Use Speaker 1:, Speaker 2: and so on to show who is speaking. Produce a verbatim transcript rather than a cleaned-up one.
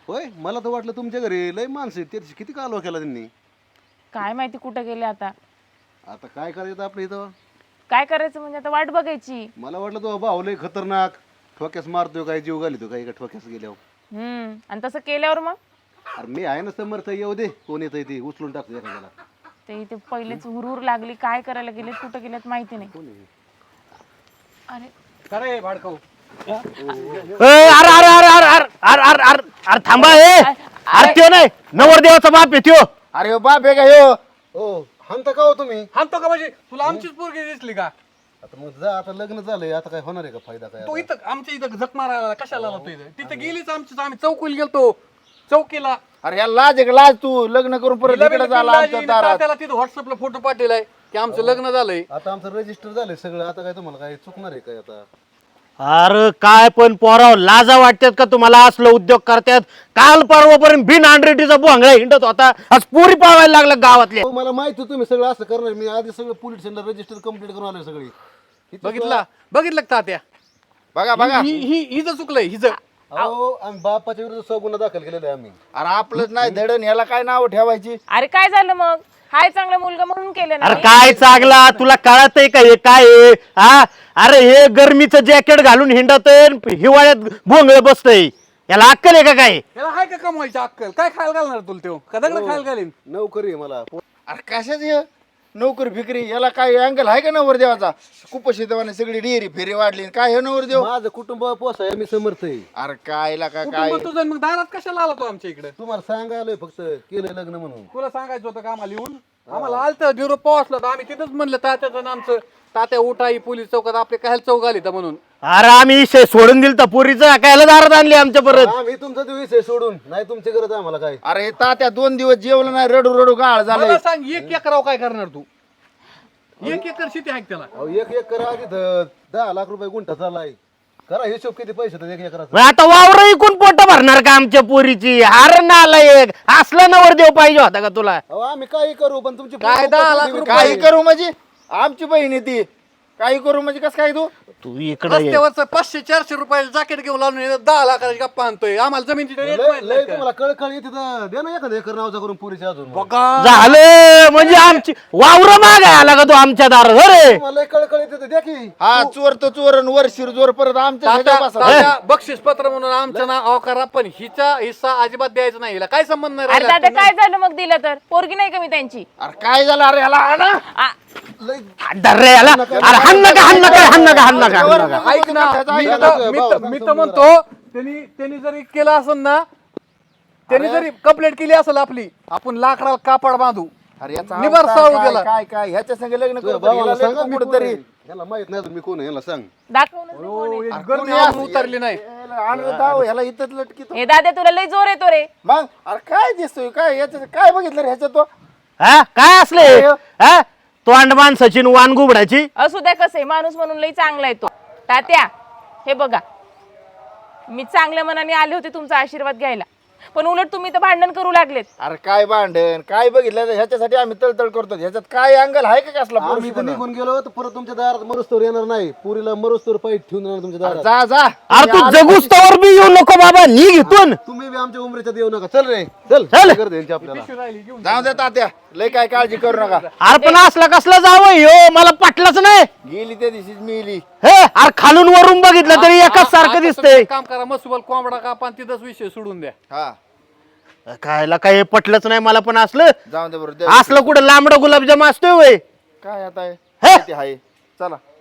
Speaker 1: होय मला तर वाटलं तुमच्या घरी लय माणसं आहेत त्याची किती कालवा केला त्यांनी.
Speaker 2: काय माहिती कुठे गेले आता.
Speaker 1: आता काय करायचं आपल्या इथं.
Speaker 2: काय करायचं म्हणजे आता वाट बघायची.
Speaker 1: मला वाटलं तो भाऊ लय खतरनाक ठोक्यास मारतोय काय जीव घालितो काय का ठोक्यास गेल्यावर.
Speaker 2: हम्म आणि तसं केल्यावर मग
Speaker 1: अरे मी आहे ना समर्थ येऊ दे कोण येतंय ते उचलून टाकतो एखाद्याला.
Speaker 2: ते इथे पहिलेच हुरहुर लागली काय करायला गेलेत कुठे गेलेत माहिती नाही.
Speaker 1: कोण आहे?
Speaker 2: अरे
Speaker 3: खरे भाडकाऊ
Speaker 4: अरे अरे अरे अरे अरे अरे अरे अरे अरे थांबा ए अरे त्यो नाही नवरदेवाचा बाप आहे त्यो.
Speaker 5: अरे हो बाप आहे का ह्यो?
Speaker 1: हो हाणता का हो तुम्ही.
Speaker 3: हाणतो का म्हणजे तुला आमचीच पोरगी दिसली का?
Speaker 1: आता मग जा आता लग्न झालंय आता काय होणार आहे का फायदा काय
Speaker 3: तो
Speaker 1: आता?
Speaker 3: इथं आमच्या इथं झक मारायला कशाला आला तो इथं? तिथं गेलीच आमची आम्ही चौकीला गेलतो चौकीला
Speaker 5: अरे ह्या लाज आहे का लाज तू लग्न करून परत इकडे झाला आमच्या दारात.
Speaker 3: त्याला तिथं व्हॉट्सअपला फोटो पाठवलाय की आमचं लग्न झालंय.
Speaker 1: आता आमचं रजिस्टर झालंय सगळं आता काय तुम्हाला काय चुकणार आहे काय आता.
Speaker 4: अरे काय पण पोराव लाजा वाटतात का तुम्हाला असलं उद्योग करतात. काल परवापर्यंत बिन हंड्रेडीचा भोंगळा हिंडत होता आज पुरी पावायला लागला गावातले.
Speaker 1: हो, मला माहिती होतं तुम्ही सगळं असं करणार. मी आधी सगळं पोलीस स्टेशनला रजिस्टर कंप्लीट करून आलोय सगळी. इथं
Speaker 3: बघितला बघितलं का तात्या?
Speaker 5: बघा बघा
Speaker 3: ही ही हिचं चुकलंय हिचं.
Speaker 1: अहो आम्ही बापाच्या विरुद्ध सहा गुन्हा दाखल केलेला आहे आम्ही.
Speaker 5: अरे आपलंच नाही धडण ह्याला काय नाव ठेवायची.
Speaker 2: अरे काय झालं मग. हाय चांगला मुलगा म्हणून केलं
Speaker 4: अरे
Speaker 2: ना.
Speaker 4: काय चांगला तुला कळत आहे का हे काय आहे? हा अरे हे गरमीचं जॅकेट घालून हिंडत हिवाळ्यात भोंगळ बसतय याला अक्कल आहे का काय?
Speaker 3: याला हाय का कमवायची अक्कल? काय खायला घालणार तुला तो? का दगड खायला घालीन?
Speaker 1: नोकरी आहे मला.
Speaker 5: अरे कशाच हे नोकरी फिकरी याला काय अँगल आहे का नवर देवाचा? कुपशितवाने सगळी डेअरी फेरी वाढली काय हे नवर देव?
Speaker 1: माझं कुटुंब पोसाय मी समर्थ आहे.
Speaker 5: अरे काय ला का काय
Speaker 3: कुटुंब तुझं मग दारात कशाला आला तो आमच्या इकडे?
Speaker 1: तुम्हाला सांगायलोय फक्त केलंय लग्न म्हणून.
Speaker 3: तुला सांगायचं होतं का आम्हाला येऊन? आम्हाला आलतं झिरो पोहोचलं तर आम्ही तिथंच म्हणलं तात्याचं आमचं तात्या उठाई पोलीस चौकात आपले काय चौक आली तर म्हणून.
Speaker 4: अरे आम्ही विषय सोडून दिल तर पोरीचं कायला दारात आणली आमच्या परत.
Speaker 1: आम्ही तुमचा ते विषय सोडून नाही तुमची गरज आहे आम्हाला काय.
Speaker 5: अरे हे तात्या दोन दिवस जेवलं नाही रडू रडू गाळ झालंय.
Speaker 3: मला सांग एक एकराव काय करणार तू? एक एकर शेती आहे का त्याला?
Speaker 1: अहो एक एक करा तिथं दहा लाख रुपये गुंठा चाललाय. करा हिशोब किती पैसे तर एक एकराचा.
Speaker 4: मग आता वावर इकून पोट भरणार का आमच्या पोरीची? हार नाला एक असला नवर देव पाहिजे होता का तुला?
Speaker 1: अहो आम्ही काही करू पण तुमची
Speaker 3: काय दहा लाख रुपये?
Speaker 5: काही करू म्हणजे आमची बहीण आहे ती. काही करू म्हणजे कसं काय तू?
Speaker 4: तू इकडे
Speaker 3: रस्त्यावरचं पाचशे चारशे रुपयाला जॅकेट घेऊन लावून दहा लाखाची गप्पा आणतोय. आम्हाला जमीनची रेट
Speaker 1: लय
Speaker 3: माहित
Speaker 1: लय
Speaker 3: नाही का?
Speaker 1: तुम्हाला कळकळ येते तर दे ना एखादं एकर नावचा करून पुरीच्या अजून.
Speaker 3: बघा
Speaker 4: झालं म्हणजे आमची वावर मागाय आला का तू आमच्या दारात? अरे
Speaker 1: तुम्हाला लय कळकळ येते तर द्या की.
Speaker 5: हा चोर तर चोर आणि वर शिरजोर परत आमच्या
Speaker 3: तात्या
Speaker 5: ह्याच्यावर बसा.
Speaker 3: तात्या बक्षीस पत्र म्हणून आमचं नाव अहो करा पण हिचा हिस्सा अजिबात द्यायचा नाही. हिला काय संबंध नाही
Speaker 2: अरे
Speaker 3: राहिला.
Speaker 2: दादा काय झालं मग दिलं तर पोरगी नाही का मी त्यांची.
Speaker 5: अरे काय झालं अरे ह्याला आणा.
Speaker 2: आ,
Speaker 1: लय
Speaker 4: अरे याला अरे हाण नका हाण नका हाण नका हाण नका हाण नका.
Speaker 3: ऐक ना मी तर- मी तर- मी तर म्हणतो त्यांनी त्यांनी जरी केलं असेल ना त्यांनी जरी कंप्लेंट केली असेल आपली आपण लाकडाला कापड बांधू.
Speaker 5: अरे याचा
Speaker 3: निबार
Speaker 5: अवतार
Speaker 3: साळू
Speaker 5: काय-
Speaker 3: त्याला.
Speaker 5: काय काय ह्याच्या संग लग्न
Speaker 1: तुझ्या
Speaker 5: करतो
Speaker 1: भावाला
Speaker 5: हिला
Speaker 1: सांगा
Speaker 5: लग्न
Speaker 1: मी कोण
Speaker 5: कुठंतरी
Speaker 1: आहे. याला माहित नाही अजून मी कोण आहे याला सांग.
Speaker 2: दाखवूनच नाही कोण आहे.
Speaker 3: हो, गर्मी अजून उतरली नाही.
Speaker 5: आणलं दाव ह्याला इथंच लटकी
Speaker 2: हे दादा तुला लय जोर येतो रे.
Speaker 5: मग अरे काय दिसतोय काय याच्यात काय बघितलं रे ह्याच्यात तो?
Speaker 4: हा काय असले हा तोंड माणसाची न वान गुबडाची.
Speaker 2: असू द्या कसं आहे माणूस म्हणून लय चांगला आहे तो. तात्या हे बघा मी चांगल्या मनाने आले होते तुमचा आशीर्वाद घ्यायला पण उलट तुम्ही तर भांडण करू लागलेत.
Speaker 5: अरे काय भांडण काय बघितलं ह्याच्यासाठी आम्ही तळतळ करतो. ह्याच्यात काय अंगल आहे का कसला
Speaker 1: आम्ही तर निघून गेलो तर परत तुमच्या दारात मरुस्तोर येणार नाही. पुरीला मरुस्तोर पाईट ठेवून येणार तुमच्या दारात.
Speaker 5: जा जा
Speaker 4: अरे तू जगुस्तवर बी येऊ नको बाबा नी घेतून
Speaker 1: तुम्ही बी आमच्या उमरेच्यात येऊ नका. चल रे चल
Speaker 4: चल.
Speaker 1: कर दे यांची आपल्याला.
Speaker 5: जाऊ दे तात्या लय काय काळजी करू नका.
Speaker 4: अरे पण असला कसला जावं ह्यो मला पटलंच नाही.
Speaker 5: गेली त्या दिवशीच मिली.
Speaker 4: हे अरे खालून वरून बघितलं तरी एकाच सारखं दिसतंय.
Speaker 3: काम करा मसुबल कोंबडा कापा आणि तिथंच विषय सोडून द्या.
Speaker 5: हा
Speaker 4: कायला काय पटलंच नाही मला पण असलं
Speaker 5: जाऊ दे बरोबर
Speaker 4: असलं कुठं लांबडं गुलाबजाम असतोय वय.
Speaker 5: काय आता आहे?
Speaker 4: हे?
Speaker 5: किती आहे चला